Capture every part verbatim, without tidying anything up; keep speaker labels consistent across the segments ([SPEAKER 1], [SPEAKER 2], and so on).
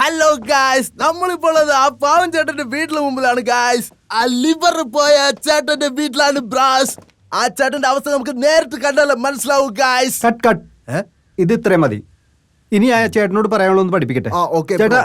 [SPEAKER 1] Hello guys, നമ്മളിപ്പോൾ ആ പാവൻ ചേട്ടന്റെ വീട്ടിന് മുമ്പിലാണ് ഗായ്സ്. ആ ലിവർ പോയ ചേട്ടന്റെ വീട്ടിലാണ് ബ്രാസ്. ആ ചേട്ടന്റെ അവസ്ഥ നമുക്ക് നേരിട്ട് കണ്ടാലേ മനസ്സിലാവൂ ഗായ്സ്.
[SPEAKER 2] കട്ട് കട്ട് ഇത് ഇത്രയും മതി. ഇനി ആ ചേട്ടനോട് പറയാനുള്ള ഒന്ന് പഠിപ്പിക്കട്ടെ. ചേട്ടാ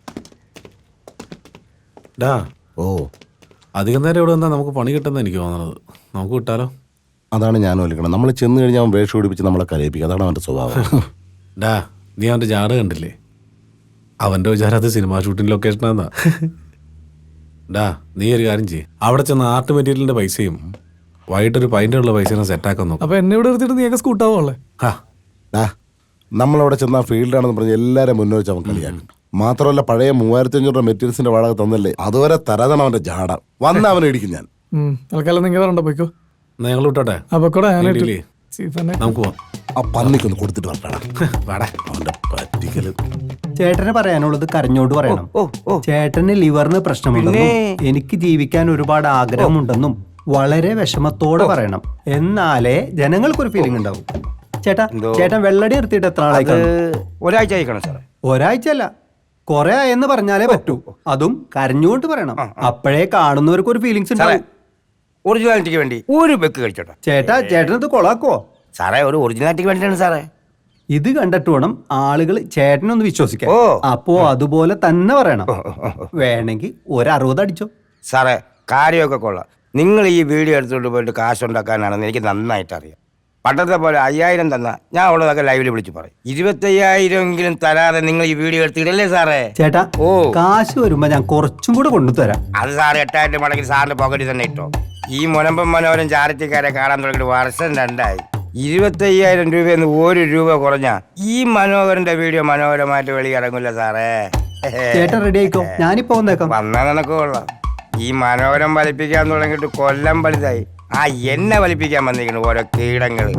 [SPEAKER 3] ഡാ ഓ അധികം നേരം ഇവിടെ വന്നാൽ നമുക്ക് പണി കിട്ടുന്ന എനിക്ക് തോന്നുന്നത്. നമുക്ക് കിട്ടാലോ?
[SPEAKER 4] അതാണ് ഞാൻ വിളിക്കണം. നമ്മൾ ചെന്ന് കഴിഞ്ഞാൽ അവൻ വേഷം പിടിപ്പിച്ച് നമ്മളെ കരയിപ്പിക്കുക. അതാണ് അവൻ്റെ സ്വഭാവം.
[SPEAKER 3] ഡാ നീ അവൻ്റെ ജാട കണ്ടില്ലേ? അവൻ്റെ വിചാരം അത് സിനിമാ ഷൂട്ടിംഗ് ലൊക്കേഷനാന്നാ. ഡാ നീ ഒരു കാര്യം ചെയ്യ്, അവിടെ ചെന്ന് ആർട്ട് മെറ്റീരിയലിന്റെ പൈസയും വൈകിട്ടൊരു പൈൻ്റുള്ള പൈസ സെറ്റാക്കാൻ നോക്കും.
[SPEAKER 5] അപ്പൊ എന്നെ ഇവിടെ എടുത്തിട്ട് നീയൊക്കെ സ്കൂട്ടാവുള്ളേ.
[SPEAKER 4] ഡാ നമ്മളവിടെ ചെന്ന് ആ ഫീൽഡാണെന്ന് പറഞ്ഞ് എല്ലാവരും മുന്നേ വെച്ച് അവൻ കളിയാക്കും. മാത്രമല്ല പഴയ മൂവായിരത്തി അഞ്ഞൂറ് രൂപ മെറ്റീരിയൽസിന്റെ വാടക തന്നല്ലേ, അതുവരെ തരാതാണ് അവന്റെ ജാട. വന്ന അവനെ ഇടിക്കും ഞാൻ.
[SPEAKER 5] തൽക്കാലം നിങ്ങൾ പറഞ്ഞോ പോയിക്കോ.
[SPEAKER 3] ഞങ്ങൾ വിട്ടോട്ടെ, നമുക്ക് പോവാം.
[SPEAKER 4] ആ പന്നിക്കൊന്ന് കൊടുത്തിട്ട് വരട്ടാ അവന്റെ പറ്റിക്കല്.
[SPEAKER 2] ചേട്ടന് പറയാനുള്ളത് കരഞ്ഞോണ്ട് പറയണം. ചേട്ടന് ലിവറിന് പ്രശ്നമുണ്ടെന്നും എനിക്ക് ജീവിക്കാൻ ഒരുപാട് ആഗ്രഹമുണ്ടെന്നും വളരെ വിഷമത്തോടെ പറയണം. എന്നാലേ ജനങ്ങൾക്കൊരു ഫീലിംഗ് ഉണ്ടാവും. ചേട്ടാ ചേട്ടൻ വെള്ളടി നിർത്തിയിട്ട് എത്ര ആളായി?
[SPEAKER 6] ഒരാഴ്ച ആയിക്കണം സാറേ.
[SPEAKER 2] ഒരാഴ്ച അല്ല, കൊറേ ആയെന്ന് പറഞ്ഞാലേ പറ്റൂ. അതും കരഞ്ഞുകൊണ്ട് പറയണം. അപ്പോഴേ കാണുന്നവർക്ക് ഒരു ഫീലിങ്സ് ഉണ്ടാവും.
[SPEAKER 6] ഒറിജിനാലിറ്റിക്ക് വേണ്ടി ഒരു ബെക്ക് കഴിച്ചോട്ടെ
[SPEAKER 2] ചേട്ടാ. ചേട്ടനത് കൊളാക്കോ
[SPEAKER 6] സാറേ? ഒരു ഒറിജിനാലിറ്റിക്ക് വേണ്ടിയാണ് സാറേ.
[SPEAKER 2] ഇത് കണ്ടിട്ട് വേണം ആളുകൾ ചേട്ടനൊന്ന് വിശ്വസിക്കാൻ.
[SPEAKER 6] ഓ
[SPEAKER 2] അപ്പോ അതുപോലെ തന്നെ പറയണം. വേണമെങ്കിൽ ഒരു അറുപത് അടിച്ചോ
[SPEAKER 6] സാറേ. കാര്യമൊക്കെ കൊള്ളാം. നിങ്ങൾ ഈ വീഡിയോ എടുത്തുകൊണ്ട് പോയിട്ട് കാശുണ്ടാക്കാനാണെന്ന് എനിക്ക് നന്നായിട്ട് അറിയാം. പണ്ടത്തെ പോലെ അയ്യായിരം തന്നാ ഞാൻ ഉള്ളതൊക്കെ ലൈവില് വിളിച്ച് പറയും. ഇരുപത്തയ്യായിരം എങ്കിലും തരാതെ നിങ്ങൾ ഈ വീഡിയോ എടുത്തിടല്ലേ സാറേ?
[SPEAKER 2] ചേട്ടാ ഓ കാശ് വരുമ്പോ ഞാൻ കുറച്ചും കൂടെ കൊണ്ടുതരാം.
[SPEAKER 6] അത് സാറ് എട്ടായിരം മടങ്ങി സാറിന്റെ പോക്കറ്റിൽ തന്നെ ഇട്ടോ. ഈ മുനമ്പം മനോരം ചാരിറ്റിക്കാരെ കാണാൻ തുടങ്ങിയിട്ട് വർഷം രണ്ടായി. ഇരുപത്തയ്യായിരം രൂപയെന്ന് ഒരു രൂപ കുറഞ്ഞ ഈ മനോഹരന്റെ വീഡിയോ മനോഹരമായിട്ട് വെളിയിറങ്ങില്ല സാറേ.
[SPEAKER 2] ചേട്ടൻ റെഡി ആയിക്കോ, ഞാനിപ്പോ വന്നേക്കാം.
[SPEAKER 6] വന്നാ നിനക്ക് കൊള്ളാം. ഈ മനോഹരം വലിപ്പിക്കാൻ തുടങ്ങിയിട്ട് കൊല്ലം വലുതായി. ആ എന്നെ വലിപ്പിക്കാൻ വന്നിരിക്കുന്നു ഓരോ കീടങ്ങള്.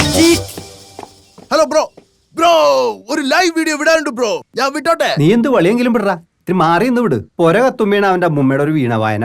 [SPEAKER 1] ഹലോ ബ്രോ, ബ്രോ ഒരു ലൈവ് വീഡിയോ വിടാനുണ്ട് ബ്രോ, ഞാൻ വിട്ടോട്ടെ?
[SPEAKER 2] നീ എന്ത് വളിയെങ്കിലും വിടറാ, ഇത്തിരി മാറി നിന്ന് വിട്. പൊര കത്തുമ്പേണ് അവന്റെ അമ്മൂമ്മയുടെ ഒരു വീണ വായന.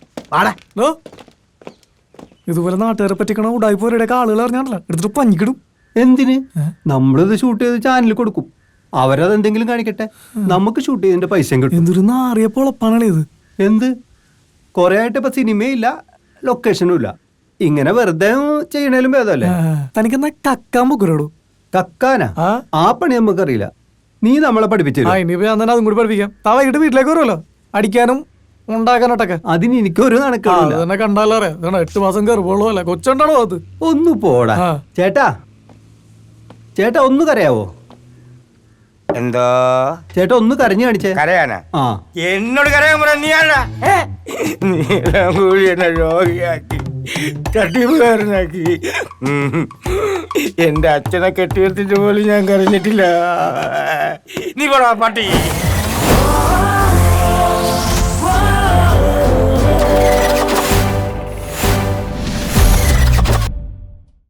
[SPEAKER 5] ഇതുപോലെ നാട്ടുകാരെ പറ്റിക്കണ ഉടായ്പോരയുടെ ആളുകൾ അറിഞ്ഞാണല്ലോ എടുത്തിട്ട് പഞ്ഞിക്കിടും.
[SPEAKER 2] എന്തിന്? നമ്മളിത് ഷൂട്ട് ചെയ്ത് ചാനലിൽ കൊടുക്കും. അവരത് എന്തെങ്കിലും കാണിക്കട്ടെ, നമുക്ക് ഷൂട്ട് ചെയ്തതിന്റെ പൈസയും കിട്ടും.
[SPEAKER 5] എന്തൊരു നാറിയ പൊളപ്പാണല്ലേ ഇത്.
[SPEAKER 2] എന്ത് കൊറേ ആയിട്ട് ഇപ്പൊ സിനിമയില്ല, ലൊക്കേഷനും ഇല്ല. ഇങ്ങനെ വെറുതെ ചെയ്യണേലും ഭേദമല്ലേ?
[SPEAKER 5] തനിക്കെന്നാ കക്കാൻ പൊക്കുരോടു.
[SPEAKER 2] കക്കാനാ? ആ പണി നമുക്കറിയില്ല. നീ നമ്മളെ പഠിപ്പിച്ചു.
[SPEAKER 5] ഇനിയിപ്പോ ഞാൻ തന്നെ അതും കൂടി പഠിപ്പിക്കാം. താ വൈകിട്ട് വീട്ടിലേക്ക് വരുമല്ലോ അടിക്കാനും ഉണ്ടാക്കാനോട്ടൊക്കെ.
[SPEAKER 2] അതിന് എനിക്കൊരു നടക്കില്ല.
[SPEAKER 5] തന്നെ കണ്ടാലോ അറിയാം. എട്ട് മാസം കയറുമ്പോളോ അല്ല കൊച്ചുണ്ടാണോ അത്?
[SPEAKER 2] ഒന്ന് പോടാ. ചേട്ടാ ചേട്ടാ ഒന്ന് കരയാവോ?
[SPEAKER 6] എന്തോ
[SPEAKER 2] ചേട്ടാ ഒന്ന് കരഞ്ഞു കാണിച്ചേ.
[SPEAKER 6] കരയാനാ?
[SPEAKER 2] ആ
[SPEAKER 6] എന്നോട് കരയാൻ പറ. നീ ആരാ? നീളം കൂടി എന്നെ രോഗിയാക്കി തട്ടിപ്പുകാരനാക്കി. എന്റെ അച്ഛനെ കെട്ടിയെടുത്തിട്ട് പോലും ഞാൻ കരഞ്ഞിട്ടില്ല. നീ പോടാ പട്ടി.